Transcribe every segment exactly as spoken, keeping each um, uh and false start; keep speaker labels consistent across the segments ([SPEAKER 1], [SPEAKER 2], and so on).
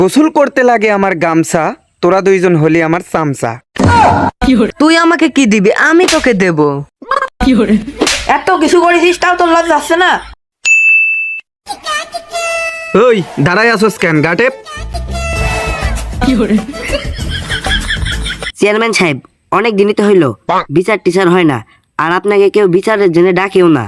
[SPEAKER 1] গোসল করতে লাগে আমার গামছা, তোরা দুইজন হলি আমার চামচা।
[SPEAKER 2] তুই আমাকে কি দিবি, আমি তোকে দেব।
[SPEAKER 3] এত কিছু করেছিস তাও তোর লজ্জা আসছে না?
[SPEAKER 1] ওই দাঁড়াই আসোস কেন গাটে?
[SPEAKER 2] চেয়ারম্যান সাহেব, অনেক দিনই তো হইলো বিচার টিচার হয় না, আর আপনাকে কেউ বিচারের জন্য ডাকেও না।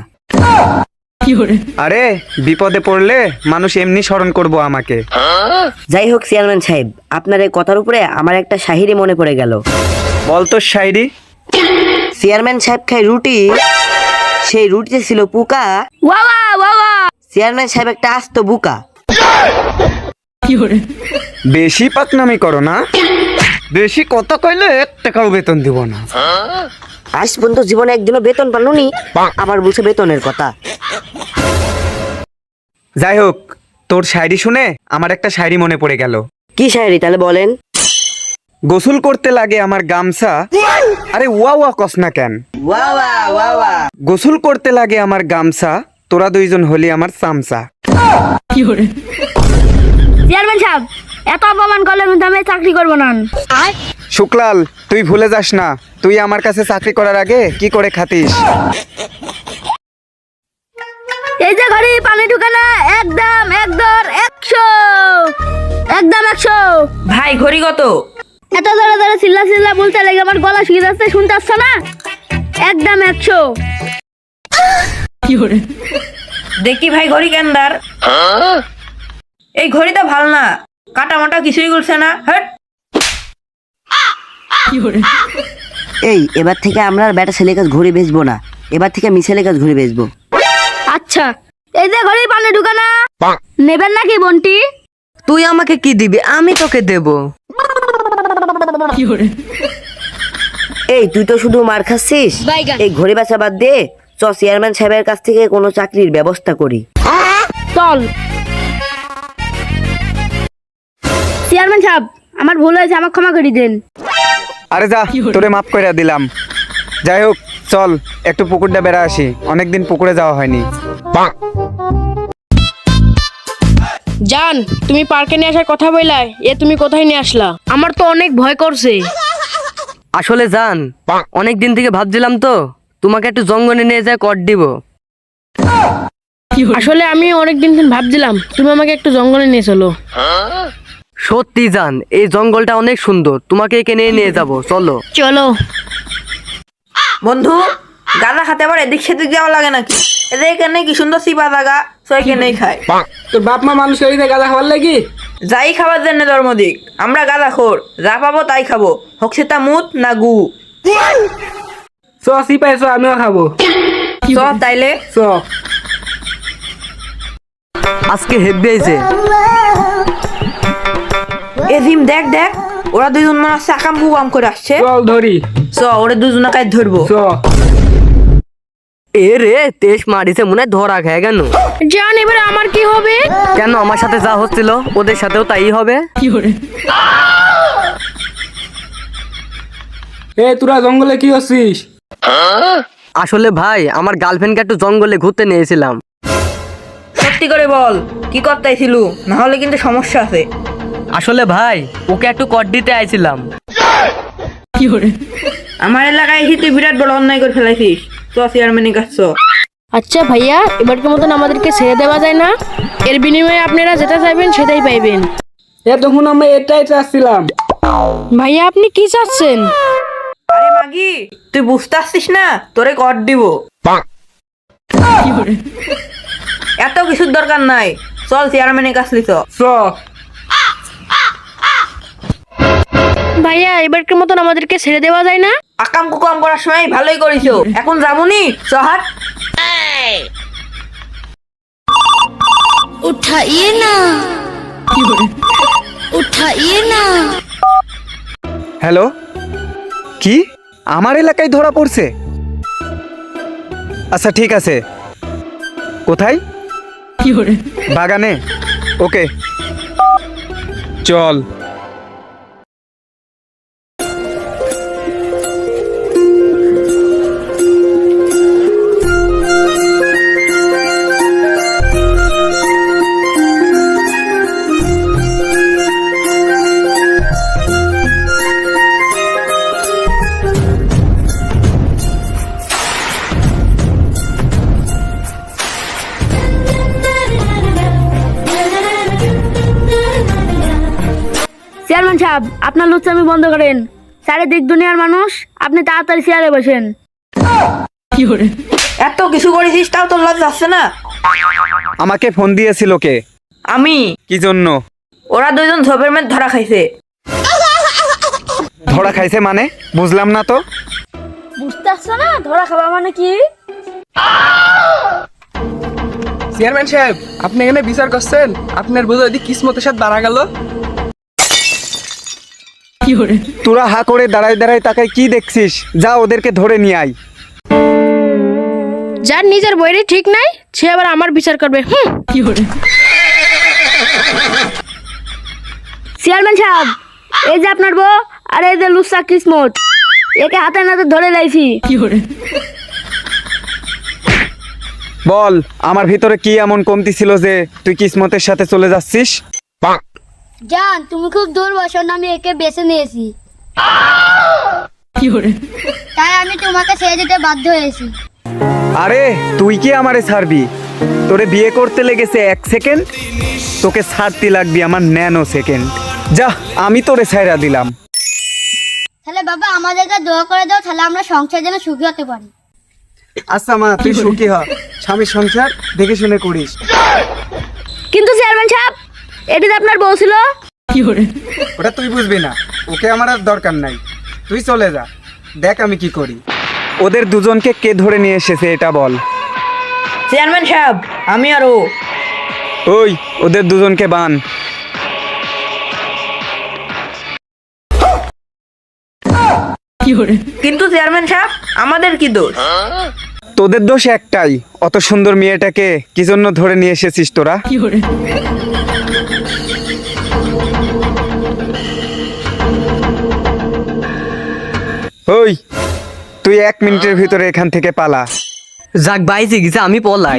[SPEAKER 1] আরে বিপদে পড়লে মানুষ এমনি স্মরণ করবো আমাকে।
[SPEAKER 2] যাই হোক চেয়ারম্যান সাহেব, আপনার এই কথার উপরে আমার একটা শাহিরি মনে পড়ে গেল।
[SPEAKER 1] বল তো শায়রি।
[SPEAKER 2] চেয়ারম্যান সাহেব খায় রুটি, সেই রুটিতে ছিল পোকা। চেয়ারম্যান সাহেব একটা আস্ত বুকা।
[SPEAKER 1] বেশি পাকনামি করো না, বেশি কথা কইলে এক টাকাও বেতন দিব না।
[SPEAKER 2] আজ পর্যন্ত জীবনে একদিনও বেতন পালুনি, আবার বলছে বেতনের কথা।
[SPEAKER 1] যাই হোক, তোর শায়রি শুনে আমার একটা শায়রি মনে পড়ে গেল।
[SPEAKER 2] কি শায়রি তাহলে বলেন?
[SPEAKER 1] গোসল করতে লাগে আমার গামছা। আরে ওয়া ওয়া কস না কেন? গোসল করতে লাগে আমার গামছা, তোরা দুইজন হলি আমার চামচা।
[SPEAKER 4] চেয়ারম্যান সাহেব, এত অপমান করলে কিন্তু আমি চাকরি করবো না।
[SPEAKER 1] শুক্লাল, তুই ভুলে যাস না, তুই আমার কাছে চাকরি করার আগে কি করে খাতিস।
[SPEAKER 4] এই যে ঘরে পানি ঢুকানা, একদম একদর একশো, একদম একশো।
[SPEAKER 3] ভাই ঘড়ি কত?
[SPEAKER 4] এত ধরে ধরে চিল্লা চিল্লা বলতে লাগে আমার গলা শুকিয়ে যাচ্ছে, শুনতে পাচ্ছ না? একদম একশো।
[SPEAKER 3] দেখি ভাই ঘড়ি কেন্দার। এই ঘড়িটা ভালো না, কাটা মাটা কিছুই করছে না। হ্যাঁ,
[SPEAKER 2] এই এবার থেকে আমরা আর বেটা ছেলে কাজ ঘুরে বেচবো না, এবার থেকে মিছেলে কাজ ঘুরে বেচবো।
[SPEAKER 4] আচ্ছা, এই যে ঘরে পানি ঢুকানা, নেবেন নাকি বন্টি?
[SPEAKER 2] তুই আমাকে কি দিবি, আমি তোকে দেব। এই তুই তো শুধু মার খাচ্ছিস, এই ঘড়ি বেচা বাদ দে, চ চেয়ারম্যান সাহেবের কাছ থেকে কোনো চাকরির ব্যবস্থা করি।
[SPEAKER 4] চল। চেয়ারম্যান সাহেব, আমার ভুল হয়েছে, আমার ক্ষমা করে দেন।
[SPEAKER 1] আরে যা, তোরে মাফ করে দিলাম। যাই হোক, চল একটু পুকুরটা বেড়া আসি, অনেকদিন পুকুরে যাওয়া হয়নি।
[SPEAKER 5] জান, তুমি পার্কে নিয়ে আসার কথা বললা, এ তুমি কোথায় নিয়ে আসলা? আমার তো অনেক ভয় করছে।
[SPEAKER 2] আসলে জান, অনেক দিন থেকে ভাবছিলাম তো তোমাকে একটু জঙ্গলে নিয়ে যায় কর দিব।
[SPEAKER 5] আসলে আমি অনেক দিন থেকে ভাবছিলাম তুমি আমাকে একটু জঙ্গলে নিয়ে চলো।
[SPEAKER 2] সত্যি জান, এই জঙ্গলটা অনেক সুন্দর, তোমাকে এখানে নিয়ে যাব, চলো।
[SPEAKER 5] চলো।
[SPEAKER 3] বন্ধু, গাঁদা খাতে আবার এদিক সেদিক যাওয়া লাগে নাকি? এদের এখানে কি সুন্দর সিপা জায়গা, সো এখানেই খায়।
[SPEAKER 6] তোর বাপ মা মানুষ করে গাঁদা খাওয়ার লাগি?
[SPEAKER 3] যাই খাবার জন্য ধর্মদিক, আমরা গাঁদা খোর, যা পাবো তাই খাবো, হোক সেটা মুত না গু।
[SPEAKER 6] চ সিপাই চ, আমিও খাবো।
[SPEAKER 3] চ তাইলে।
[SPEAKER 6] চ।
[SPEAKER 2] আজকে হেব্বি হয়েছে।
[SPEAKER 3] এ জিম দেখ দেখ, ওরা দুজন মনে হচ্ছে আকাম কুকাম করে আসছে।
[SPEAKER 6] চল ধরি।
[SPEAKER 3] চ ওরা দুজনকে ধরবো।
[SPEAKER 6] চ।
[SPEAKER 2] এ রে, তেজ মারিছে, মনে হয় ধরা খেয়ে গেল।
[SPEAKER 5] জান, এবারে আমার কি হবে?
[SPEAKER 2] কেন, আমার সাথে যা হচ্ছিল ওদের সাথেও তাই হবে।
[SPEAKER 6] এ তোরা জঙ্গলে কি করছিস?
[SPEAKER 2] আসলে ভাই, আমার গার্লফ্রেন্ডকে একটু জঙ্গলে ঘুরতে নিয়েছিলাম।
[SPEAKER 3] সত্যি করে বল, কি করতেছিল? না হলে কিন্তু সমস্যা আছে।
[SPEAKER 2] আসলে ভাই, ওকে একটু কর দিতে আইছিলাম।
[SPEAKER 3] আমার এলাকায় এসে তুই বিরাট বড় অন্যায় করে ফেলাইছিস। চ চেয়ারম্যানের কাছে চ।
[SPEAKER 5] আচ্ছা ভাইয়া, এবারকার মতন আমাদেরকে ছেড়ে দেওয়া যায় না? এর বিনিময়ে আপনারা যেটা চাইবেন সেটাই পাইবেন।
[SPEAKER 6] এ তখন আমরা এটাই চাচ্ছিলাম।
[SPEAKER 5] ভাইয়া, আপনি কি চাচ্ছেন?
[SPEAKER 3] আরে মাগি, তুই বুঝতে আসছিস না, তোরে কর দিব। এত কিছুর দরকার নাই, চল চেয়ারম্যানের কাছে চ।
[SPEAKER 6] চ।
[SPEAKER 5] ভাইয়া, এবারকার মতন আমাদেরকে ছেড়ে দেওয়া যায় না?
[SPEAKER 3] আকাম কুকাম করার সময় ভালোই করিছো, এখন যাবনি, চ হাট।
[SPEAKER 4] উঠাইয়ে না, উঠাইয়ে না।
[SPEAKER 1] হ্যালো, কি আমার এলাকায় ধরা পড়ছে? আচ্ছা ঠিক আছে, কোথায়? বাগানে, ওকে চল।
[SPEAKER 4] চেয়ারম্যান সাহেব আপনার লুচ্চামি বন্ধ করেন। চারিদিক দুনিয়ার মানুষ, আপনি তাড়াতাড়ি চেয়ারে বসেন।
[SPEAKER 3] এত কিছু করেছিস তাও তোর লজ্জা আসছে না?
[SPEAKER 1] আমাকে ফোন দিয়েছিল কে?
[SPEAKER 3] আমি।
[SPEAKER 1] কি জন্য?
[SPEAKER 3] ওরা দুইজন ঝোপের মেয়ে ধরা খাইছে।
[SPEAKER 1] ধরা খাইছে মানে? বুঝলাম না তো।
[SPEAKER 4] বুঝতে পারছো না ধরা খাওয়া মানে কি?
[SPEAKER 6] চেয়ারম্যান সাহেব, আপনি এখানে বিচার করছেন, আপনার বোঝা যদি কিসমতের সাথে দাঁড়া গেল।
[SPEAKER 1] তোরা হা করে দাঁড়ায় দাঁড়ায় তাকায় কি দেখছিস? যা ওদেরকে ধরে নিয়ে আয়।
[SPEAKER 5] যার নিজের বইরে ঠিক নাই সে আবার আমার বিচার করবে। হুম।
[SPEAKER 4] চেয়ারম্যান সাহেব, এই যে আপনার বউ আর এই যে লুচ্চা কিসমত, একে হাতে নাতে ধরে লাইছি।
[SPEAKER 1] বল, আমার ভিতরে কি এমন কমতি ছিল যে তুই কিসমতের সাথে চলে যাচ্ছিস?
[SPEAKER 4] জান তুমি খুব দুর্বসন, আমি একে বেছে নিয়েছি, তাই আমি তোমাকে ছেড়ে দিতে বাধ্য হয়েছি।
[SPEAKER 1] আরে তুই কি আমারে ছাড়বি? তোরে বিয়ে করতে লেগেছে এক সেকেন্ড, তোকে ছাড়তে লাগবি আমার ন্যানো সেকেন্ড। যা, আমি তোরে ছাইরা দিলাম।
[SPEAKER 4] তাহলে বাবা আমাদেরকে দোয়া করে দাও, তাহলে আমরা সংসার যেন সুখী হতে পারি।
[SPEAKER 1] আচ্ছা মা, তুই সুখী হ, স্বামীর সংসার দেখে শুনে করিস।
[SPEAKER 4] কিন্তু চেয়ারম্যান সাহেব, এটি তো আপনার বউ ছিল।
[SPEAKER 1] ওটা তুই বুঝবি না, ওকে আমার আর দরকার নাই। তুই চলে যা, দেখ আমি কি করি। ওদের দুজনকে কে ধরে নিয়ে এসেছে এটা বল।
[SPEAKER 3] চেয়ারম্যান সাহেব, আমি আর ও।
[SPEAKER 1] ওই ওদের দুজনকে বান।
[SPEAKER 3] কিন্তু চেয়ারম্যান সাহেব, আমাদের কি দোষ?
[SPEAKER 1] তোদের দোষ একটাই, অত সুন্দর মেয়েটাকে কি জন্য ধরে নিয়ে এসেছিস তোরা? ওই তুই এক মিনিটের ভিতরে এখান থেকে পালা।
[SPEAKER 2] যাক বাইছে গেছে, আমি পলাই।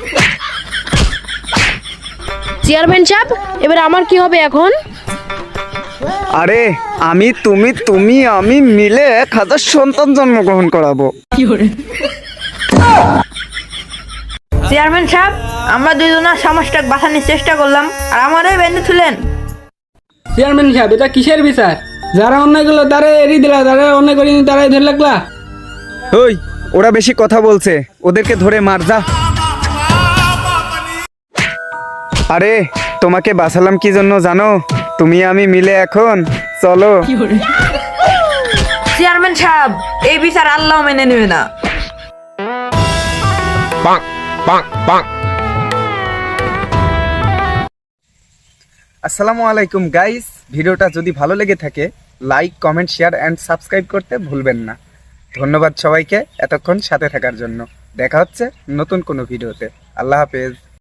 [SPEAKER 5] চেয়ারম্যান সাহেব, এবার আমার কি হবে এখন?
[SPEAKER 1] আরে আমি তুমি তুমি আমি মিলে এক হাজার সন্তান জন্মগ্রহণ করাবো।
[SPEAKER 3] চেয়ারম্যান সাহেব, আমরা দুইজনের সমাজটাকে বাঁচানোর চেষ্টা করলাম আর আমারই বেঁধে তুলেন।
[SPEAKER 6] চেয়ারম্যান সাহেব, এটা কিসের বিচার? যারা অন্যায় করলো তারা এড়িয়ে দিলা, যারা অন্যায় করিনি তারাই ধরে লাগলা।
[SPEAKER 1] ওই ওরা বেশি কথা বলছে, ওদেরকে ধরে মার যা। আরে তোমাকে বাঁচালাম কি জন্য জানো? তুমি আমি মিলে এখন চলো।
[SPEAKER 3] চেয়ারম্যান সাহেব, এই বিচার আল্লাহ মেনে নেবে না।
[SPEAKER 1] আসসালামু আলাইকুম গাইস, ভিডিওটা যদি ভালো লেগে থাকে like comment share and subscribe করতে ভুলবেন না। ধন্যবাদ সবাইকে এতক্ষণ সাথে থাকার জন্য। দেখা হচ্ছে নতুন কোনো ভিডিওতে। আল্লাহ হাফেজ।